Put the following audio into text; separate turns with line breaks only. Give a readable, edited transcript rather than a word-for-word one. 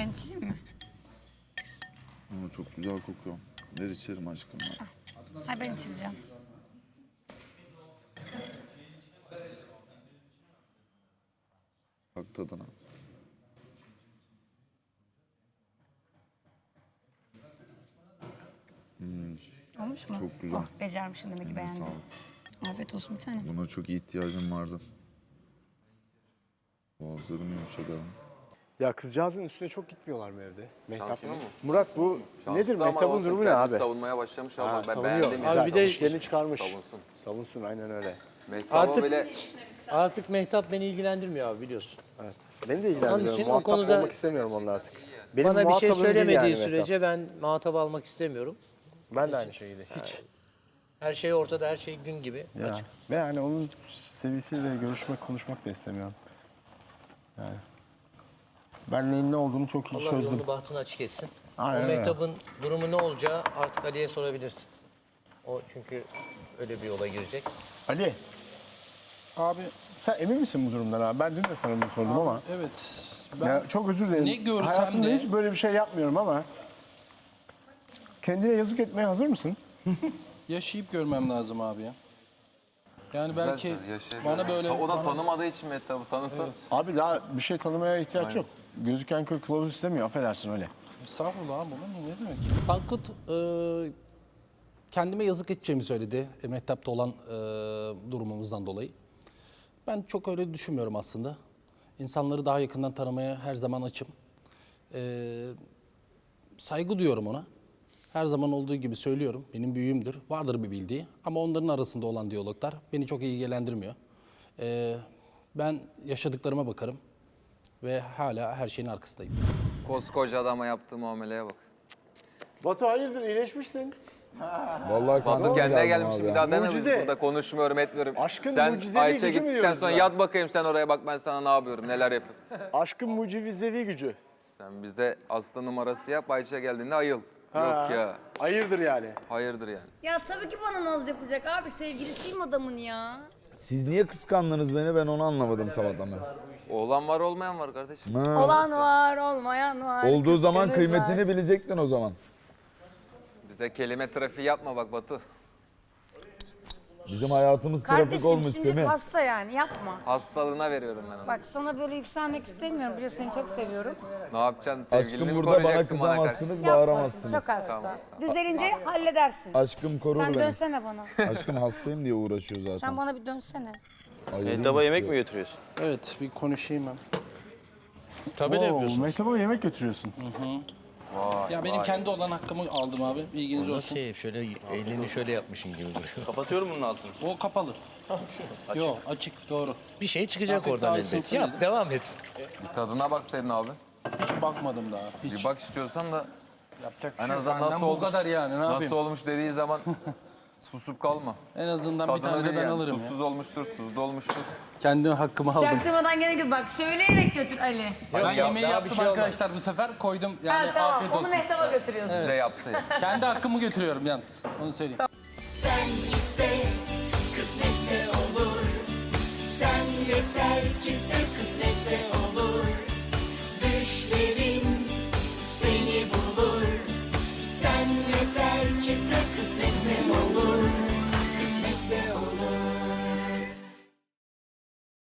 Ben içeyim mi?
Ama çok güzel kokuyor. Ver içerim aşkım ya.
Hayır ben içireceğim.
Bak tadına.
Olmuş mu?
Çok güzel.
Oh, becermişim demek ki
Eline
beğendim.
sağlık.
Afiyet olsun bir tane.
Buna çok ihtiyacım vardı. Boğazlarım yumuşadı.
Ya kızcağızın üstüne çok gitmiyorlar mı evde? Mehtap.
Şanslı mı?
Murat bu nedir?
Şanslı ama
Mehtap'ın
olsun,
durumu ne
kendisi
abi?
savunmaya başlamış ama ben
savunuyor.
beğendim.
Güzel.
Abi bir de-
İşlerini çıkarmış.
Savunsun.
Savunsun aynen öyle.
Mesela
Artık-
böyle
Artık Mehtap beni ilgilendirmiyor abi biliyorsun.
Evet. Beni de
Onun
ilgilendirmiyor.
için o
Muhatap
konuda-
olmak istemiyorum onunla artık. Benim
Bana bir şey
muhatabım değil
söylemediği
yani
sürece ben muhatap almak istemiyorum.
Mehtap. Ben de aynı şekilde. Hiç.
Her şey ortada, her şey gün gibi
Ya.
açık.
Ve yani onun seviyesiyle görüşmek, konuşmak da istemiyorum. Yani. Ben neyin ne olduğunu çok iyi
Allah
çözdüm.
yolunu bahtını açık etsin.
Aynen
O
öyle.
Mehtap'ın durumu ne olacağı artık Ali'ye sorabilirsin. O çünkü öyle bir yola girecek.
Ali,
Abi
sen emin misin bu durumdan abi? Ben dün de sana bunu sordum ama.
evet. Ben
Ya çok özür dilerim.
ne görsem
Hayatımda
de-
hiç böyle bir şey yapmıyorum ama. Kendine yazık etmeye hazır mısın?
yaşayıp görmem lazım abi ya. Yani belki
güzel, yaşayabilir.
bana böyle...
O da
bana-
tanımadığı için Mehtap'ı tanısın.
Abi daha bir şey tanımaya ihtiyaç yok. Gözüken köy kılavuz istemiyor, affedersin öyle.
Estağfurullah abi, bu ne demek? Tankut kendime yazık edeceğimi söyledi. Mehtap'ta olan durumumuzdan dolayı. Ben çok öyle düşünmüyorum aslında. İnsanları daha yakından tanımaya her zaman açım. Saygı duyuyorum ona. Her zaman olduğu gibi söylüyorum. Benim büyüğümdür. Vardır bir bildiği. Ama onların arasında olan diyaloglar beni çok ilgilendirmiyor. Ben yaşadıklarıma bakarım. Ve hala her şeyin arkasındayım.
Koskoca adama yaptığı muameleye bak.
Batu hayırdır, iyileşmişsin.
Vallahi
Batu kendine gelmiş bir daha deme
Mucize.
burada konuşmuyorum etmiyorum.
Aşkın
sen
mucizevi
Ayça
gücü mü
gittikten
diyoruz
sonra
buna?
yat bakayım sen oraya bak ben sana ne yapıyorum neler yapıyorum.
Aşkın mucizevi gücü.
Sen bize hasta numarası yap Ayça geldiğinde ayıl.
Ha,
Yok ya
hayırdır yani.
hayırdır yani.
Ya tabii ki bana naz yapacak abi. Sevgilisiyim adamın ya.
Siz niye kıskandınız beni, ben onu anlamadım sabahtan beri.
Oğlan var olmayan var kardeşim.
Olan var, olmayan var.
Olduğu zaman
kıskanırlar.
kıymetini bilecektin o zaman.
Bize kelime trafiği yapma bak Batu.
Bizim hayatımız trafik
Kardeşim
olmuş
şimdi
Semih.
hasta yani yapma.
Hastalığına veriyorum ben onu.
Bak sana böyle yükselmek istemiyorum. Biliyorsun seni çok seviyorum.
Ne yapacaksın sevgilini
Aşkım
mi
burada bana
koruyacaksın bana karşı?
kızamazsınız,
Yapmasın,
bağıramazsınız.
çok hasta.
Tamam.
Düzelince halledersin.
Aşkım korur
Sen
beni.
dönsene bana.
Aşkım hastayım diye uğraşıyor zaten.
Sen bana bir dönsene.
Ayırayım
Mehtap'a yemek
istiyor.
mi götürüyorsun?
Evet, bir konuşayım ben.
Tabii de yapıyorsun.
Mehtap'a yemek götürüyorsun.
Ya benim kendi olan hakkımı aldım abi. Bilginiz olsun.
Şöyle elini şöyle yapmışın gibi duruyor.
Kapatıyorum bunun altını.
O kapalı. Yok, açık, doğru.
Bir şey çıkacak
Afiyet
oradan
olsun
elbet.
sana
Yap,
dedim.
devam et.
Bir tadına baksaydın abi.
Hiç bakmadım daha. Hiç.
Bir bak istiyorsan da
Yapacak bir
en
şey yok.
azından
Benden
nasıl
bu
olmuş,
kadar yani, ne yapayım?
nasıl olmuş dediği zaman susup kalma.
En azından bir
Tadını
tane de
bil
ben
yani.
alırım ya.
Tuzsuz olmuştur, tuzlu olmuştur.
Kendi hakkımı aldım.
Çaktırmadan gene git bak. Söyleyerek götür Ali.
Ben yemeği
daha
yaptım
bir şey olmaz.
arkadaşlar bu sefer. Koydum yani
Ha, tamam
afiyet
onu
olsun.
Mehtap'a götürüyorsun.
Size yaptı.
Kendi hakkımı götürüyorum yalnız. Onu söyleyeyim.
Sen iste, kısmetse olur. Sen yeter ki sen kısmet.